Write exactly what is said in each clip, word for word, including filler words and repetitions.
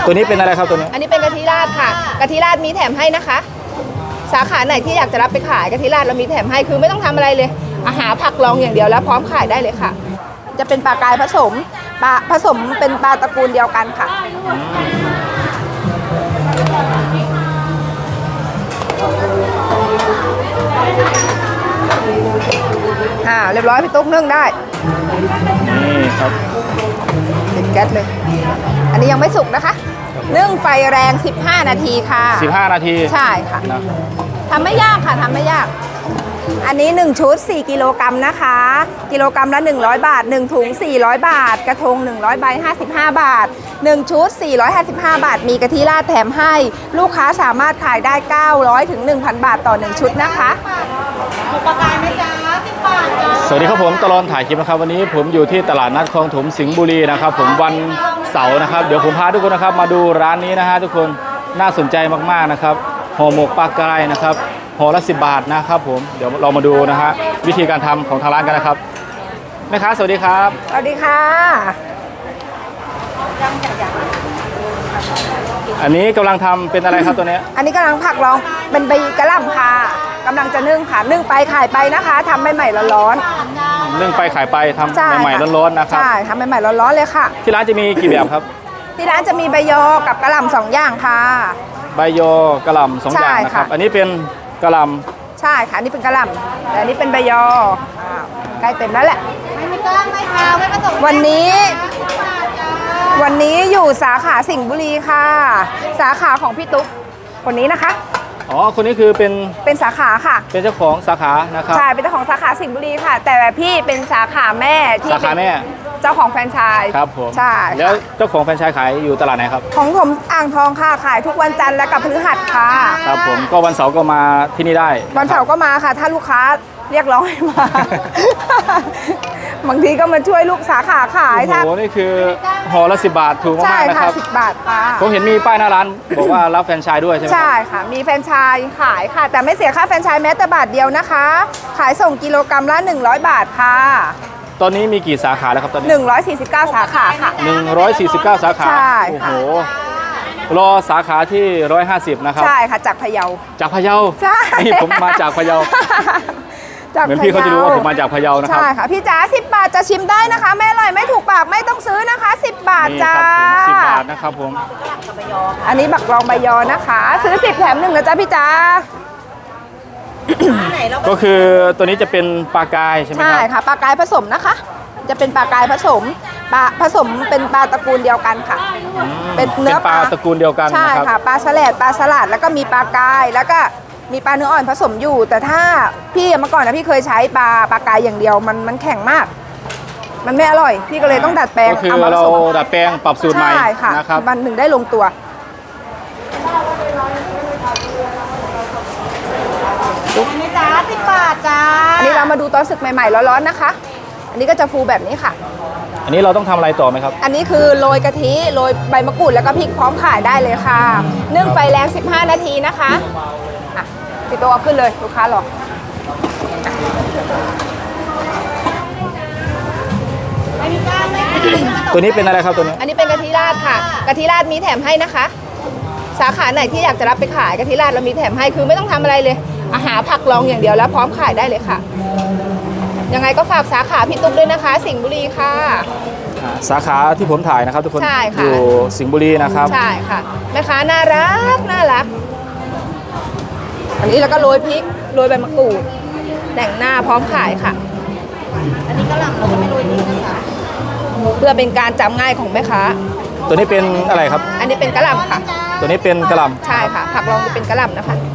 ตัวนี้เป็นอะไรครับตัวนี้อันนี้เป็นกะทิราดค่ะกะทิราดมีแถมให้นะคะ สาขาไหนที่อยากจะรับไปขายกะทิราดเรามีแถมให้คือไม่ต้องทำอะไรเลยอาหารผักรองอย่างเดียวแล้วพร้อมขายได้เลยค่ะ จะเป็นปลากายผสมปลาผสมเป็นปลาตระกูลเดียวกันค่ะอ่าเรียบร้อยพี่ตุ๊กนึ่งได้นี่ครับติดแก๊สเลยอันนี้ยังไม่สุกนะคะนึ่งไฟแรงสิบห้านาทีค่ะสิบห้านาทีใช่ค่ะทำไม่ยากค่ะทำไม่ยากอันนี้หนึ่งชุดสี่กิโลกรัมนะคะกิโลกรัมละหนึ่งร้อยบาทหนึ่งถุงสี่ร้อยบาทกระทงหนึ่งร้อยใบห้าสิบห้าบาทหนึ่งชุดสี่ร้อยห้าสิบห้าบาทมีกะทิราดแถมให้ลูกค้าสามารถขายได้เก้าร้อยถึง หนึ่งพัน บาทต่อหนึ่งชุดนะคะถูกประกายไหมจ๊ะสิบบาทจ้าสวัสดีครับผมตลอดถ่ายคลิปนะครับวันนี้ผมอยู่ที่ตลาดนัดคลองถมสิงห์บุรีนะครับผมวันเสาร์นะครับเดี๋ยวผมพาทุกคนนะครับมาดูร้านนี้นะฮะทุกคนน่าสนใจมากๆนะครับห่อหมกปลากรายนะครับห่อละสิบบาทนะครับผมเดี๋ยวเรามาดูนะฮะวิธีการทำของทางร้านกันนะครับแม่ค้าสวัสดีครับสวัสดีค่ะอันนี้กำลังทำเป็นอะไรครับตัวนี้อันนี้กำลังผักรองเป็นใบกระหล่ำค่ะกำลังจะนึ่งค่ะนึ่งไปขายไปนะคะทำใหม่ๆร้อนๆนึ่งไปขายไปทำใหม่ๆร้อนๆนะครับใช่ทำใหม่ๆร้อนๆเลยค่ะที่ร้านจะมีกี่แบบครับที่ร้านจะมีใบยอกับกระหล่ำสองอย่างค่ะใบยอกระหล่ำสองอย่างนะครับอันนี้เป็นกระหล่ำใช่ค่ะนี่เป็นกระหล่ำแต่อันนี้เป็นใบยอใกล้เต็มแล้วแหละไม่ก้างไม่ขาวไม่ผสมวันนี้วันนี้อยู่สาขาสิงห์บุรีค่ะสาขาของพี่ตุ๊กคนนี้นะคะอ๋อคนนี้คือเป็นเป็นสาขาค่ะเป็นเจ้าของสาขานะครับใช่เป็นเจ้าของสาขาสิงห์บุรีค่ะแต่พี่เป็นสาขาแม่ที่สาขาแม่เจ้าของแฟรนไชส์ครับผมใช่แล้วเจ้าของแฟรนไชส์ขายอยู่ตลาดไหนครับของผมอ่างทองค่ะขายทุกวันจันทร์และกับพฤหัสค่ะครับผมก็วันเสาร์ก็มาที่นี่ได้วันเสาร์ก็มาค่ะถ้าลูกค้าเรียกร้องให้มาบางทีก็มาช่วยลูกสาขาขายโอ้โหนี่คือห่อละสิบบาทถูกมากๆนะครับสิบบาทค่ะผมเห็นมีป้ายหน้าร้านบอกว่ารับแฟรนไชส์ด้วยใช่ไหมใช่ค่ะมีแฟรนไชส์ขายค่ะแต่ไม่เสียค่าแฟรนไชส์แม้แต่บาทเดียวนะคะขายส่งกิโลกรัมละหนึ่งร้อยบาทค่ะตอนนี้มีกี่สาขาแล้วครับตอนนี้หนึ่งร้อยสี่สิบเก้าสาขาค่ะหนึ่งร้อยสี่สิบเก้าสาขาใช่โอ้โหรอสาขาที่หนึ่งร้อยห้าสิบนะครับใช่ค่ะจากพะเยาจากพะเยาใช่นี่ผมมาจากพะเยาเหมือนพี่เขาจะรู้ว่าผมมาจากพะเยานะครับใช่ค่ะพี่จ๋าสิบบาทจะชิมได้นะคะไม่อร่อยไม่ถูกปากไม่ต้องซื้อนะคะสิบบาทจ้าสิบบาทนะครับผมอันนี้บักรองใบยอนะคะซื้อสิบแถมหนึ่งนะจ๊ะพี่จ๋าก็คือตัวนี้จะเป็นปลากายใช่ไหมครับใช่ค่ะปลากายผสมนะคะจะเป็นปลากายผสมปลาผสมเป็นปลาตระกูลเดียวกันค่ะเป็นเนื้อปลาตระกูลเดียวกันใช่ค่ะปลาสลัดปลาสลัดแล้วก็มีปลากายแล้วก็มีปลาเนื้ออ่อนผสมอยู่แต่ถ้าพี่เมื่อก่อนนะพี่เคยใช้ปลาปลากายอย่างเดียวมันมันแข็งมากมันไม่อร่อยพี่ก็เลยต้องดัดแปลงก็คือเราดัดแปลงปรับสูตรใหม่นะครับมันถึงได้ลงตัวอันนี้จ้าสิบบาทจ้าอันนี้เรามาดูตอนสึกใหม่ๆร้อนๆนะคะอันนี้ก็จะฟูแบบนี้ค่ะอันนี้เราต้องทำอะไรต่อไหมครับอันนี้คือโรยกะทิโรยใบมะกรูดแล้วก็พริกพร้อมขายได้เลยค่ะนึ่งไฟแรงสิบห้านาทีนะคะอ่ะพี่โตเอาขึ้นเลยลูกค้ารอตัวนี้เป็นอะไรครับตัวนี้อันนี้เป็นกะทิราดค่ะกะทิราดมีแถมให้นะคะสาขาไหนที่อยากจะรับไปขายกะทิราดเรามีแถมให้คือไม่ต้องทำอะไรเลยอาหารผักรองอย่างเดียวแล้วพร้อมขายได้เลยค่ะยังไงก็ฝากสาขาพี่ตุ๊กด้วยนะคะสิงห์บุรีค่ะสาขาที่ผมถ่ายนะครับทุกคนอยู่สิงห์บุรีนะครับใช่ค่ะแม่ค้าน่ารักน่ารักอันนี้แล้วก็โรยพริกโรยใบมะกรูดแต่งหน้าพร้อมขายค่ะอันนี้กระหล่ำเราจะไม่โรยนี้นะคะเพื่อเป็นการจำง่ายของแม่ค้าตัวนี้เป็นอะไรครับอันนี้เป็นกระหล่ำค่ะตัวนี้เป็นกระหล่ำใช่ค่ะผักรองจะเป็นกระหล่ำนะคะ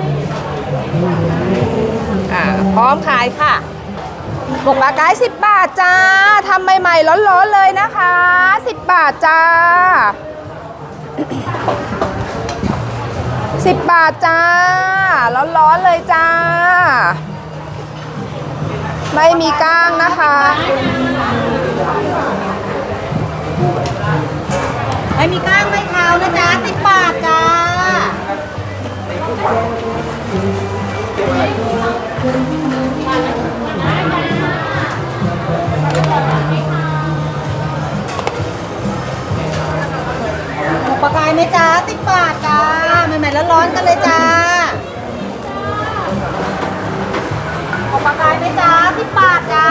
อ่าพร้อมขายค่ะหมกปลากายสิบบาทจ้าทำใหม่ๆร้อนๆเลยนะคะสิบบาทจ้าสิบบาทจ้าร้อนๆเลยจ้าไม่มีก้างนะคะไม่มีก้างไม่ขาวนะจ๊ะสิบบาทจ้าปลากายมจ๊ะสิบบาทจ้าใหม่ๆแล้วร้อนๆกันเลยจ้าหมกปลากายไหมจ๊ะสิบบาทจ้า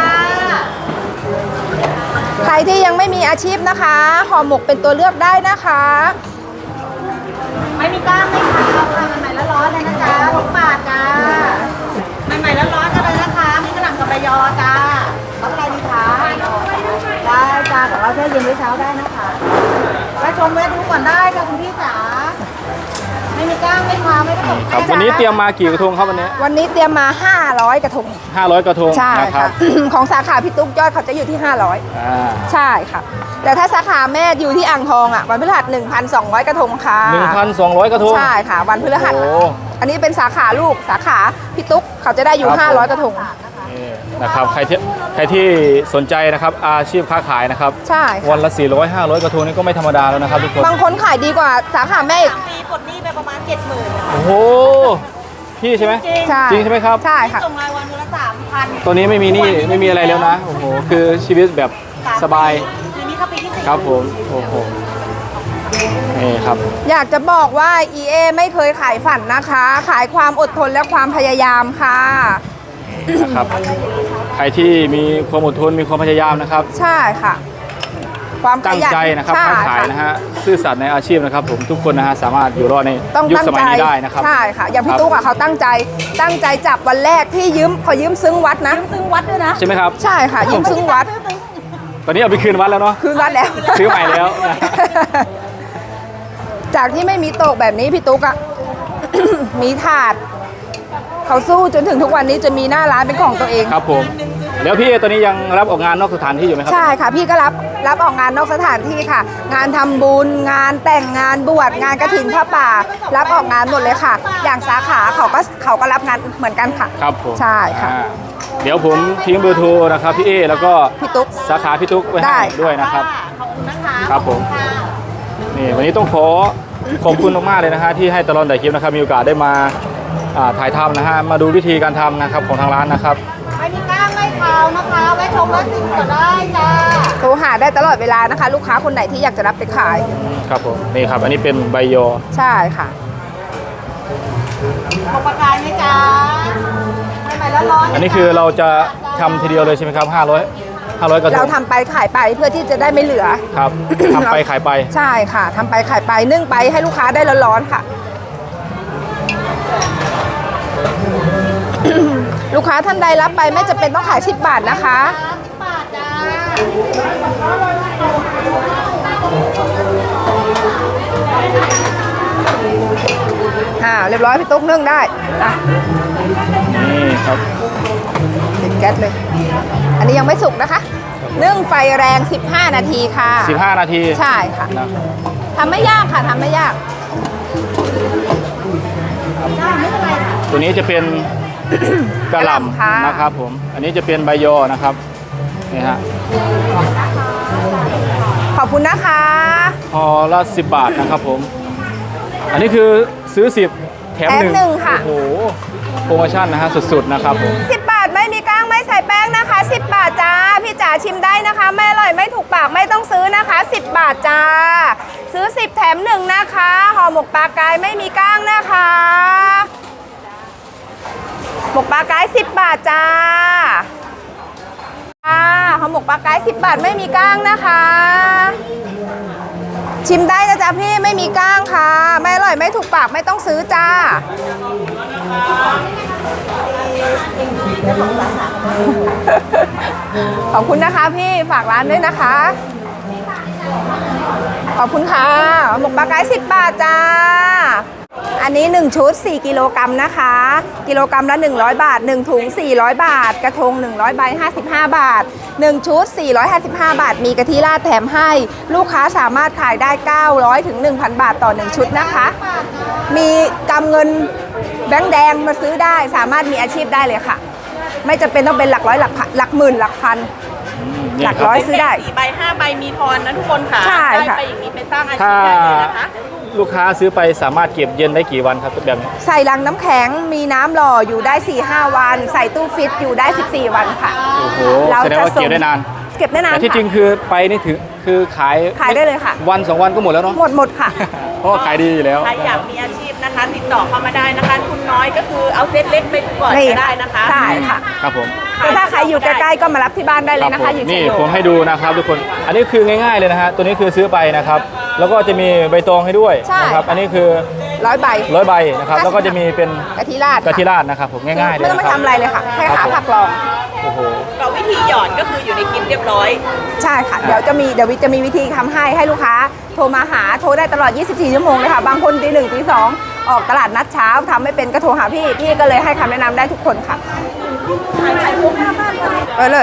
ใครที่ยังไม่มีอาชีพนะคะห่อหมกเป็นตัวเลือกได้นะคะไม่มีกล้างไม่ขาวค่ะใหม่ๆแล้วร้อนเลยนะจ๊ะหกบาทจ้าใหม่ๆแล้วร้อนกันเลยนะคะมีกระหล่ำกับใบยอจ้ารับอะไรดีคะได้จ้าแต่ว่าแค่เย็นไว้เช้าได้นะคะแวะชมแวะดูก่อนได้ค่ะคุณพี่จ๋าไม่มีกล้างไม่ขาวไม่ต้องครับวันนี้เตรียมมากี่กระทงครับวันนี้วันนี้เตรียมมา ห้าร้อย กระทงห้าร้อยกระทงใช่นะครัค่ะบของสาขาพี่ตุ๊กยอดเขาจะอยู่ที่ ห้าร้อยอ่าใช่ค่ะ แต่ถ้าสาขาแม่อยู่ที่อ่างทองอ่ะวันพฤหัส หนึ่งพันสองร้อย กระทงค่ะหนึ่งพันสองร้อยกระทงใช่ค่ะ วันพฤหัสโอ้อันนี้เป็นสาขาลูกสาขาพี่ตุ๊กเขาจะได้อยู่ครับห้าร้อย กระทงนี่นะครับใครที่ใครที่สนใจนะครับอาชีพค้าขายนะครับใช่ค่ะวันละสี่ร้อย ห้าร้อยกระทงนี่ก็ไม่ธรรมดาแล้วนะครับทุกคนบางคนขายดีกว่าสาขาแม่อีกสามปีปลดหนี้ไปประมาณเจ็ดหมื่นโอ้โหพี่ใช่ไหมจริงใช่จริงใช่ไหมครับใช่ค่ะส่งรายวันละสามพันตัวนี้ไม่มีหนี่ไม่มีอะไรแล้วนะโอ้โหคือชีวิตแบบสบายทีนี้เข้าปีที่สี่ครับผมโอ้โหนี่ครับอยากจะบอกว่า อี เอ ไม่เคยขายฝันนะคะ ขายความอดทนและความพยายามค่ะนะครับใครที่มีความอดทนมีความพยายามนะครับใช่ค่ะ ความขตั้งยันใจนะครับใช่ค้าขายนะฮะซื่อสัตย์ในอาชีพนะครับผมทุกคนนะฮะสามารถอยู่รอดในต้องยุคตั้งสมัยใจนี้ได้นะครับใช่ค่ะ อย่างพี่ครับตุ๊กอะเขาตั้งใจตั้งใจจับวันแรกที่ยืมขอยืมซึ้งวัดนะซึ่งวัดด้วยนะใช่ไหมครับใช่ค่ะ ยืมซึ้งวัดตอนนี้เอาไปคืนวัดแล้วเนาะคืนวัดแล้วซื้อใหม่แล้วนะจากที่ไม่มีโต๊ะแบบนี้พี่ตุ๊กอะ มีถาด เขาสู้จนถึงทุกวันนี้จะมีหน้าร้านเป็นของตัวเองครับผมแล้วพี่เอตอนนี้ยังรับออกงานนอกสถานที่อยู่ไหมครับใช่ค่ะ พี่ก็รับรับออกงานนอกสถานที่ค่ะ งานทำบุญ งานแต่งงานบวชงานกฐินพระป่า รับออกงานหมดเลยค่ะ อย่างสาขาเขาก็เขาก็รับงานเหมือนกันค่ะครับผมใช่ค่ะอ่าเดี๋ยวผมทิ้งเบอร์โทรนะครับพี่เอแล้วก็พี่ตุ๊กสาขาพี่ตุ๊กไว้ได้ให้ด้วยนะครับขอบคุณนะคะครับผมค่ะนี่วันนี้ต้องขอขอบคุณมากๆเลยนะฮะที่ให้ตลอดแต่คลิปนะครับมีโอกาสได้มาอ่าถ่ายทำนะฮะมาดูวิธีการทำนะครับของทางร้านนะครับไม่มีกล้างไม่ขาวนะคะแวะชมแวะชิมก็ได้จ้าโทรหาได้ตลอดเวลานะคะ ลูกค้าคนไหนที่อยากจะรับไปขายครับผมนี่ครับอันนี้เป็นใบยอใช่ค่ะหมกปลากายไหมจ๊ะใหม่ๆแล้วร้อนอันนี้คือเราจะทำทีเดียวเลยใช่ไหมครับห้าร้อย ห้าร้อยกระทเรางทำไปขายไปเพื่อที่จะได้ไม่เหลือครับทำไปขายไปใช่ค่ะทำไปขายไปนึ่งไปให้ลูกค้าได้ร้อนๆค่ะ ลูกค้าท่านใดรับไปไม่จะเป็นต้องขายสิบบาทนะคะสิบบาทจ้าอ่าเรียบร้อยพี่ตุ๊กนึ่งได้อ่ะนี่ครับติดแก๊สเลย อันนี้ยังไม่สุกนะคะ นึ่งไฟแรง สิบห้า นาทีค่ะสิบห้านาทีใช่ค่ะนะทำไม่ยากค่ะทำไม่ยากตัวนี้จะเป็น กระหกะหล่ำค่ะล่ำนะครับผมอันนี้จะเป็นใบยอนะครับนี่ฮะขอบคุณนะคะพอละสิบบาทนะครับผมอันนี้คือซื้อสิบแถมแถมหนึ่งหนึ่งค่ะโอ้โหโปรโมชั่นนะฮะสุดๆนะครับผมสิบบาทไม่มีก้างไม่ใส่แป้งนะคะ สิบบาทจ้า พี่จ๋าชิมได้นะคะ ไม่อร่อยไม่ถูกปากไม่ต้องซื้อนะคะ สิบบาทจ้า ซื้อสิบแถมหนึ่งนะคะห่อหมกปลากายไม่มีก้างนะคะ หมกปลากายสิบบาทจ้าอ่าห่อหมกปลากายสิบบาทไม่มีก้างนะคะ ชิมได้นะจ๊ะพี่ไม่มีก้างค่ะ ไม่อร่อยไม่ถูกปากไม่ต้องซื้อจ้า ขอบคุณนะคะพี่ฝากร้านด้วยนะคะ ขอบคุณค่ะหมกปลากายสิบบาทจ้า อันนี้หนึ่งชุดสี่กิโลกรัมนะคะ กิโลกรัมละหนึ่งร้อยบาทหนึ่งถุงสี่ร้อยบาท กระทงหนึ่งร้อยใบห้าสิบห้าบาทหนึ่งชุดสี่ร้อยห้าสิบห้าบาท มีกะทิราดแถมให้ ลูกค้าสามารถขายได้เก้าร้อยถึงหนึ่งพันบาทต่อหนึ่งชุดนะคะ มีกำเงินแบงค์แดงมาซื้อได้ สามารถมีอาชีพได้เลยค่ะ ไม่จำเป็นต้องเป็นหลักร้อยหลักพันหลักหมื่นหลักพันนี่หลักคบร้อยซื้อได้สี่ใบห้าใบมีทอนนะทุกคนค่ะใช่ค่ะได้ไปอย่างนี้ไปสร้างอาชีถ้าพได้เลยนะคะลูกค้าซื้อไปสามารถเก็บเย็นได้กี่วันครับแบบนี้ใส่ลังน้ำแข็งมีน้ำหล่ออยู่ได้ สี่ห้า วัน ใส่ตู้ฟิตอยู่ได้ สิบสี่ วันค่ะโอ้โหเราแสดงจะว่าส่งเก็บได้นานเก็บได้นานแต่ที่ค่ะจริงคือไปนี่ถึงคือขายขายได้เลยค่ะวันสองวันก็หมดแล้วเนาะหมดหมดค่ะเพราะว่าขายดีอยู่แล้วใครอยากมีอาชีพนะคะ ติดต่อเข้ามาได้นะคะทุนน้อยก็คือเอาเซตเล็กไปก่อนนี่ก็ได้นะคะใช่ค่ะครับผมแต่ถ้าใครอยู่ใกล้ๆก็มารับที่บ้านได้เลยนะผคะมอยู่เชีนี่ยงผมโยให้ดูนะครับทุกคน อันนี้คือง่ายๆเลยนะฮะ ตัวนี้คือซื้อไปนะครับ แล้วก็จะมีใบตองให้ด้วยใช่นะครับ อันนี้คือร้อยใบร้อยใบนะครับ แล้วก็จะมีเป็นกะทิราดกะทิราดนะครับผมง่ายๆเลยไม่ต้องนะไปครับทำอะไรเลยค่ะแค่ครัหาบผมผักรองโอ้โหเราวิธีหยอดก็คืออยู่ในคลิปเรียบร้อยใช่ค่ะ เดี๋ยวจะมีเดี๋ยววิจะมีวิธีทำให้ให้ลูกค้าโทรมาหาโทรได้ตลอด ยี่สิบสี่ ชั่วโมงเลยค่ะ บางคนตีหนึ่งตีสองออกตลาดนัดเช้าทำไม่เป็นก็โทรหาพี่ พี่ก็เลยให้คำแนะนำได้ทุกคนค่ะไปเลย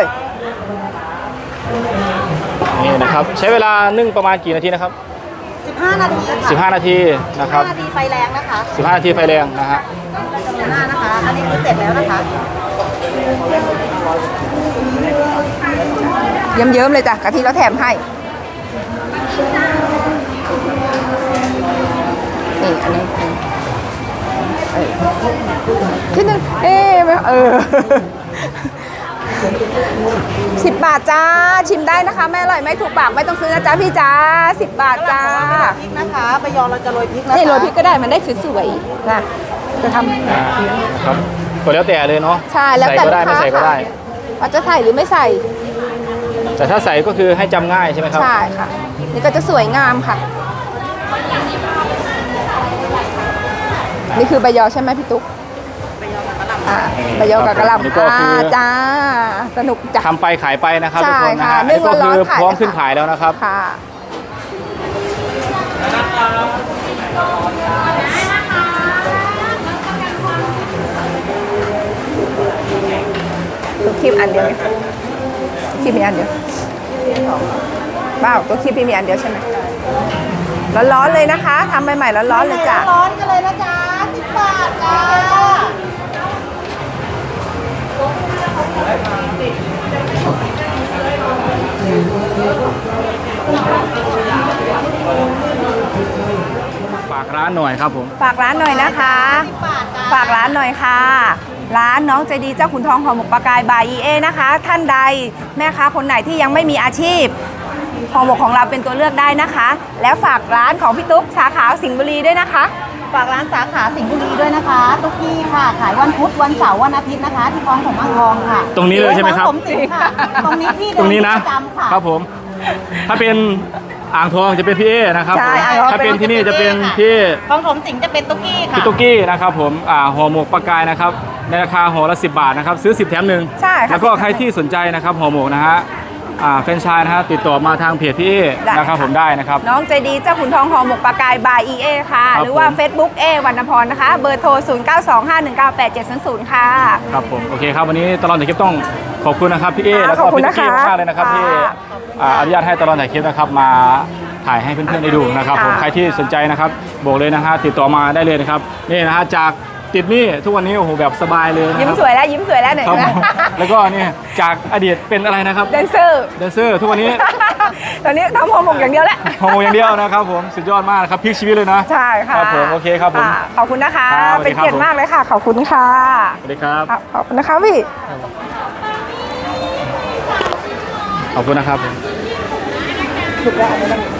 นี่นะครับ ใช้เวลานึ่งประมาณกี่นาทีนะครับสิบห้านาทีค่ะสิบห้า นาทีนะครับสิบห้านาทีไฟแรงนะคะสิบห้า นาทีไฟแรงนะฮะหน้านะคะ อันนี้คือเสร็จแล้วนะคะเยิ้มๆเลยจ้ะกะทิเราแถมให้นี่อันนี้เออที่หนึ่งเอ๊ะไม่เออสิบบาทจ้าชิมได้นะคะไม่อร่อยไม่ถูกปากไม่ต้องซื้อนะจ๊ะพี่จ้าสิบบาทจ้าพริกนะคะใบยอเราจะโรยพริกนะคะนี่โรยพริกก็ได้มันได้สวยๆนะจะทำอ่าครับก็แล้วแต่เลยเนาะใช่แล้วใส่แต่ก็ได้ลูไม่กค้าใส่ก็ได้ว่าจะใส่หรือไม่ใส่แต่ถ้าใส่ก็คือให้จำง่ายใช่ไหมครับใช่ค่ะ นี่ก็จะสวยงามค่ะ นี่คือใบยอใช่ไหมพี่ตุ๊กอ่าใบยอกับกระหนี่ล่ำก็คืออ่าจ้าสนุกจ้ะทำไปขายไปนะครับใช่ทุกคนนะค่ะฮะอันนึ่นี้งก็ร้คืออนๆขายพร้อมเลยขึ้นค่ะขายแล้วนะครับค่ะตัวคลิปอันเดียวเนี่ยคลิปมีอันเดียวเปล่าตัวคลิปมีอันเดียวใช่ไหมร้อนๆเลยนะคะทำใหม่ๆร้อนๆเลยจ้ะร้อนกันเลยนะจ๊ะสิบบาทจ้าฝากร้านหน่อยครับผมฝากร้านหน่อยนะคะ ฝากร้านหน่อยค่ะ ร้านน้องใจดีเจ้าขุนทองห่อหมกปลากายบาย อี เอ นะคะ ท่านใดแม่ค้าคนไหนที่ยังไม่มีอาชีพห่อหมกของเราเป็นตัวเลือกได้นะคะ แล้วฝากร้านของพี่ตุ๊กสาขาสิงห์บุรีด้วยนะคะฝากร้านสาขาสิงห์บุรีด้วยนะคะตุ๊กกี้ค่ะ ขายวันพุธวันเสาร์วันอาทิตย์นะคะ ที่คลองผมอ่างทองค่ะตรงนี้เลยใช่ไหมครับผมสิงห์ค่ะ ตรงนี้ที่ตรงนี้นะประจำค่ะครับผม ถ้าเป็นอ่างทองจะเป็นพี่เอนะครับใช่ผมอ่างทองถ้าเป็นที่นี่จะเป็นค่ะพี่คลองผมสิงห์จะเป็นตุ๊กกี้ค่ะพี่ตุ๊กกี้นะครับผมอ่าห่อหมกปลากายนะครับในราคาห่อละสิบบาทนะครับซื้อสิบแถมหนึ่งใช่ค่ะแล้วก็ใครที่สนใจนะครับห่อหมกนะฮะอ่าแฟรนไชส์นะฮะติดต่อมาทางเพจพี่เอได้นะครับผมได้นะครับน้องใจดีเจ้าขุนทองห่อหมกปลากายบาย อี เอ ค่ะครับหรือว่าผม Facebook เอวรรณพรนะคะ เบอร์โทร ศูนย์ เก้า สอง ห้า หนึ่ง เก้า แปด เจ็ด ศูนย์ ศูนย์ ค่ะครับผมโอเคครับวันนี้ตลอดถ่ายคลิปต้องขอบคุณนะครับพี่เอค่ะแล้วก็ขอบคุณพี่ตุ๊กกี้นะคะมากๆเลยนะครับที่ค่ะอ่าอนุญาตให้ตลอดถ่ายคลิปนะครับมาถ่ายให้เพื่อนๆได้ดูนะครับผมค่ะใครที่สนใจนะครับบอกเลยนะฮะติดต่อมาได้เลยนะครับนี่นะฮะจากติดหนี้ทุกวันนี้โอ้โหแบบสบายเลยนะยิ้มครับสวยแล้วยิ้มสวยแล้วหน่อยครับนะผมแล้วก็นี่จากอดีตเป็นอะไรนะครับแดนเซอร์แดนเซอร์ทุกวันนี้ตอนนี้ทำห่อหมกอย่างเดียวแหละโฮโมอย่างเดียวนะครับผมสุดยอดมากนะครับพลิกชีวิตเลยนะใช่ค่ะครับผมโอเคครับผมะขอบคุณนะคะครับสวัสเป็ดีนครับเกียรติมากเลยค่ะ ขอบคุณค่ะสวัสดีครับครับขอบคุณนะคะพี่ขอบคุณนะครับถูกแล้ว